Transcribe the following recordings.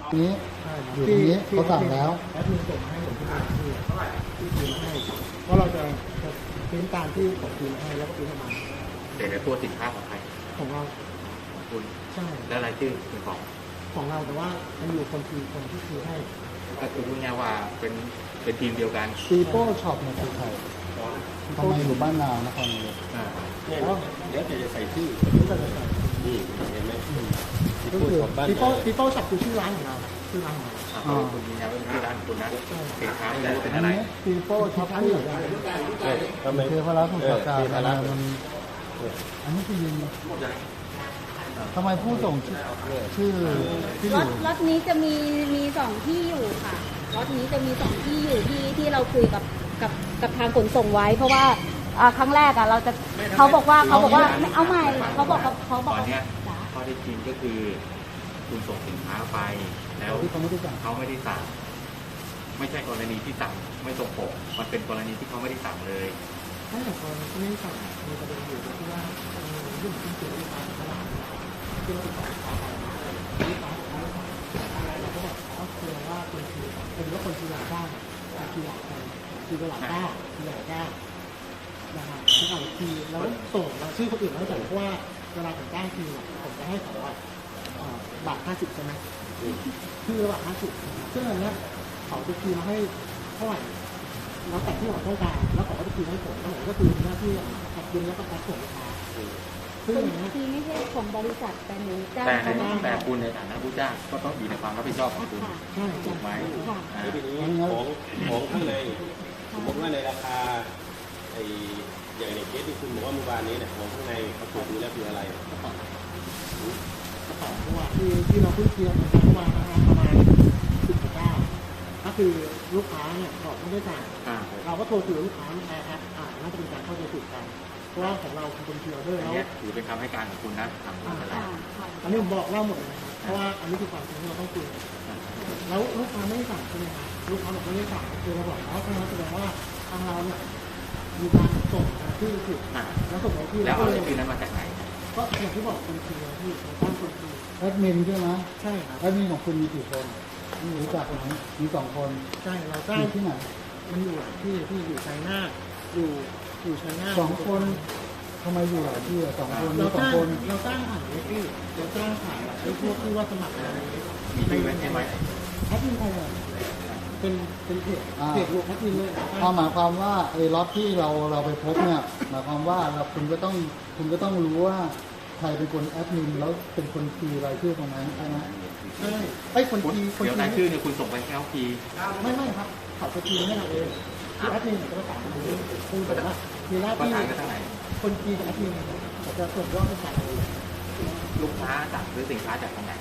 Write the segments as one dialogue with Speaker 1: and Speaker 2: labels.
Speaker 1: นี้อยู่ตรงนี้เขาสั่งแล้ว
Speaker 2: แอดมินส่งมาให้ผมที่พิมพ์ให้เพราะเราจะพิมพ์ตามที่ผมพิมพ์ให้แล้วก็พิมพ์มา
Speaker 3: แต่ตัวสินค้าของใคร
Speaker 2: ของเรา
Speaker 3: ของคุณ
Speaker 2: ใช่
Speaker 3: แล้วรายชื่อเป็น
Speaker 2: ของเราแต่ว่ามันอยู่คนที่พิมพ์ให้
Speaker 3: ก็คือพูดง่ายว่าเป็นทีมเดียวกัน
Speaker 1: ปีโป้ช็อปเนี่ยคือใครทำไมอยู่บ้านนานครนายก
Speaker 4: เดี๋ยวจะใส่ชื่อนี่เห็นไหม
Speaker 2: ก็คือปีโป้ช็อปคือชื่อร้านของเราชื่อร้านของเรา
Speaker 3: คุณยืนยันว่าเป็นชื่อร้านคุณนะสินค้าไม่รู้เป็นอะไร
Speaker 2: ปีโป้ช็อปที่อยู่
Speaker 1: ทำไมคือพระราชสงฆ์การมันอันนี้คือยิงทำไมผู้ส่งชื่อที่อยู่
Speaker 5: รถนี้จะมีสองที่อยู่ค่ะรถนี้จะมีสองที่อยู่ที่เราคุยกับทางขนส่งไว้เพราะว่าครั้งแรกเราจะเขาบอกว่าไม่เอาใหม่เขาบอก
Speaker 3: ตอนนี้ข้อที่จริงก็คือคุณส่งสินค้าไปแล้ว
Speaker 1: เขาไม่ได้สั่ง
Speaker 3: ไม่ใช่กรณีที่สั่งไม่ตรงปกมันเป็นกรณีที่เขาไม่ได้สั่งเลย
Speaker 2: ถ้าอย่างกรณีที่ไม่สั่งมีประเด็นอยู่ที่ว่าเรื่องที่เกี่ยวกับการตลาดที่เราติดต่อเขาไปที่เขาเราก็บอกเขาเคลียร์ว่าเป็นว่าคนที่อยากได้คืออยากได้คือหลักได้คืออยากได้นะครับคือเอาทีแล้วส่งมาชื่อคนอื่นไม่ใส่เพราะว่าเวลาผมจ้างทีผมจะให้เขาบาท50ใช่ไหมคือระหว่าง50ซึ่งอันนี้เขาจะคีย์มาให้เท่าไหร่แล้วแต่ที่เราต้องการแล้วเขาก็จะคีย์ให้ผมแล้วผมก็คือหน้าที่แพ็คบินแล้วก็แพ็คส่งลูกค้า
Speaker 5: ซึ่งอย่างนี้ทีไม่ใช่ของบริษัทแต่หนูจ้าง
Speaker 3: แต่คุณในฐานะผู้จ้างก็ต้องอยู่ในความรับผิดชอบของคุณถูกไหม
Speaker 4: ทีนี้ของข้างในสมมติว่าในราคาอย่างในเคสที่คุณบอกว่าเมื่อวานนี้เนี่ยของข้างในเขาตรวจดูแล้วคืออะไร
Speaker 2: กระเป๋าเพราะว่าที่เราเพิ่งเคลียร์กันเมื่อวานประมาณ10-9ก็คือลูกค้าเนี่ยบอกไม่ได้จ่ายเราก็โทรคุยกับลูกค้าในแอปน่าจะเป็นการเข้าใจผิดกันเพราะว่าของเราเป็นเคลียร์ด้วยแล้ว
Speaker 3: ถือเป็นคำให้การของคุณนะทำอะไร
Speaker 2: อันนี้ผมบอกเล่าหมดเลยเพราะว่าอันนี้คือความจริงที่เราต้องคุยแล้วลูกค้าไม่ได้สั่งใช่ไหมครับลูกค้าบอกไม่ได้สั่งคือเราบอกแล้วทางเราแสดงว่าทางเราเนี่ยมีการส่งที่ผิดแล้วส่งไปที่
Speaker 3: แล้วเอาชื่อนั้นมาจากไหน
Speaker 2: ก็อย่างที่บอกเป็นเคลียร์ที่เราตั้งคนคุย
Speaker 1: แอดมินใช่ไหม
Speaker 2: ใช่ครับ
Speaker 1: แอดมินของคุณมีกี่คนรู้จักไหมมี2 คน
Speaker 2: ใช่เราจ้าง
Speaker 1: ที่ไหน
Speaker 2: มันอยู่ที่อยู่ชัยนาทอยู่ชัยนาท
Speaker 1: 2 คนทำไมอยู่หลายที่2 คน
Speaker 2: เราจ้างผ่านเว็บที่เราจ้างผ่านไอ้พวกที่ว่าสมัครอะไร
Speaker 3: มีชื่อเว็บใช่ไหม
Speaker 2: แอดมินใครอ่ะเป็นเพจรวมแอดมินเลย
Speaker 1: หมายความว่าไอ้ล็อตที่เราไปพบเนี่ยหมายความว่าคุณก็ต้องรู้ว่าใครเป็นคนแอดมินแล้วเป็นคนคีย์รายชื่อตรงนั้นใช่ไหม
Speaker 2: ใช่ไอ้คนคีย์
Speaker 3: เดี๋ยวรายชื่อเนี่ยคุณส่งไปแค่คีย์
Speaker 2: ไม่ครับเขาจะคีย์ให้เราเองคือแอดมินจะประสานกับคุณแต่ว่ามีหน้าที่คนคีย์กับแอดมินจะส่งยอดให้ใส่
Speaker 3: ลูกค้าสั่งซื้อสินค้าจากตรงไหน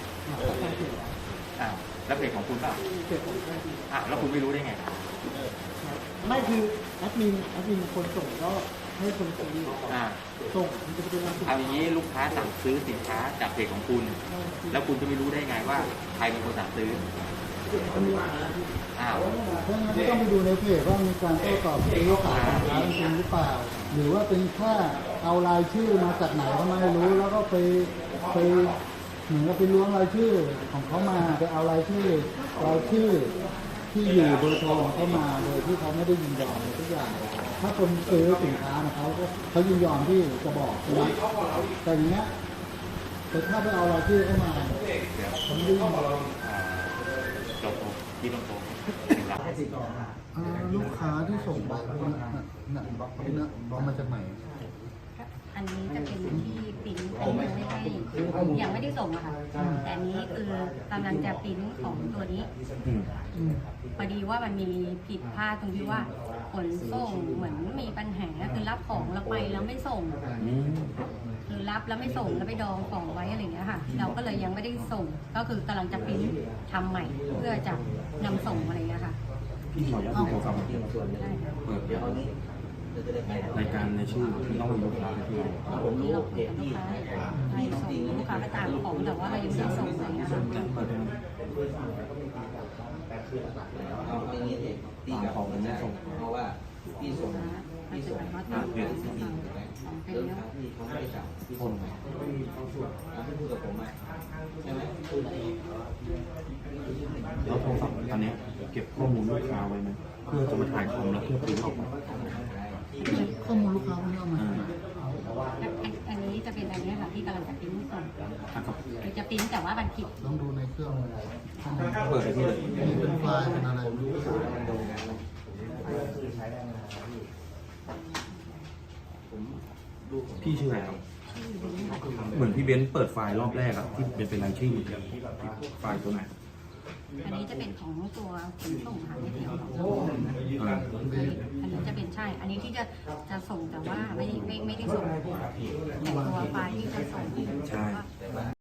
Speaker 3: แล้วเพจของคุณป่ะแล้วคุณไม่รู้ได้ไง
Speaker 2: ไม่คือแอดมินคนส่งก็ให้คนคีย์ส่งมันจะเป็น
Speaker 3: เอาอย่างนี้ลูกค้าสั่งซื้อสินค้าจากเพจของคุณแล้วคุณจะไม่รู้ได้ไงว่าใครเป็นคนสั่งซื้อ
Speaker 1: เพราะงั้นต้องไปดูในเพจว่ามีการโต้ตอบเป็นลูกค้าจริงหรือเปล่าหรือว่าเป็นแค่เอารายชื่อมาจากไหนก็ไม่รู้แล้วก็ไปเหมือนกับไปล้วงรายชื่อของเขามาไปเอารายชื่อที่อยู่เบอร์โทรของเขามาโดยที่เขาไม่ได้ยินยอมทุกอย่างถ้าคนซื้อสินค้านะเขายินยอมที่จะบอกนะแต่อย่างเงี้ยแต่ถ้าไปเอารายชื่อเข้ามาผมไม่ได้ยินยอมลูกค้าที่ส่งไปเอามาจากไหน
Speaker 5: อันนี้จะเป็นที่ปิ้นยังไม่ได้ส่งอะค่ะแต่อันนี้คือกำลังจะปิ้นของตัวนี้พอดีว่ามันมีผิดพลาดตรงที่ว่าขนส่งเหมือนมีปัญหาคือรับของแล้วไปแล้วไม่ส่งคือรับแล้วไม่ส่งแล้วไปดองของไว้อะไรอย่างเงี้ยค่ะเราก็เลยยังไม่ได้ส่งก็คือกำลังจะปิ้นทำใหม่เพื่อจะนำส่งอะไรอย่างเงี้ยค่ะ
Speaker 4: พี่ขออนุญาตโทรศัพท์เปิดรายการในชื่อที่ต้องมีลูกค้าที่
Speaker 5: ผมรู้เพจที่ให้ส่งลูกค้าไปตามของแต่ว่าเรายังไม่ส่งอะไรนะคะ
Speaker 6: เอาอย่างนี้ตีกับของไม่ส่งเพราะว่าพี่ส่งเพจที่
Speaker 5: เป็น
Speaker 6: เรื่อง
Speaker 5: เรื่อง
Speaker 6: ที่เขาไม่ได้จับที่คนไหมที่พูดกับผมไหมใช่ไหมพูดอะไร
Speaker 7: แล้วโทรศัพท์ตอนนี้เก็บข้อมูลลูกค้าไว้ไหมเพื่อจะมาถ่ายคอมแล้วเพื่อปริ้นออกมา
Speaker 1: ข้อมูลลูกค้าไม่เอามา
Speaker 5: อันนี้จะเป็นอันนี้ค่ะที่กำลังจะปริ้นส่ง
Speaker 7: ครับ
Speaker 5: คือจะปริ้นแต่ว่ามันผิด
Speaker 1: ต้องดูในเครื่องข้อมูล
Speaker 7: เปิดไปที่เลย
Speaker 1: นี่เป็นไฟล์เป็นอะไรไม่รู้
Speaker 7: พี่ชื่ออะไรครับเหมือนพี่เบนซ์เปิดไฟล์รอบแรกอะที่เป็นรายชื่อไฟล์ตัวไหน
Speaker 5: อันนี้จะเป็นของตัวขนส่งค่ะไม่ใช่ของเรา
Speaker 7: อ่า
Speaker 5: อันนี้จะเป็นใช่ อันนี้ที่จะส่งแต่ว่าไม่ได้ส่งแต่ตัวไฟล์ที่จะส่ง
Speaker 7: ใช่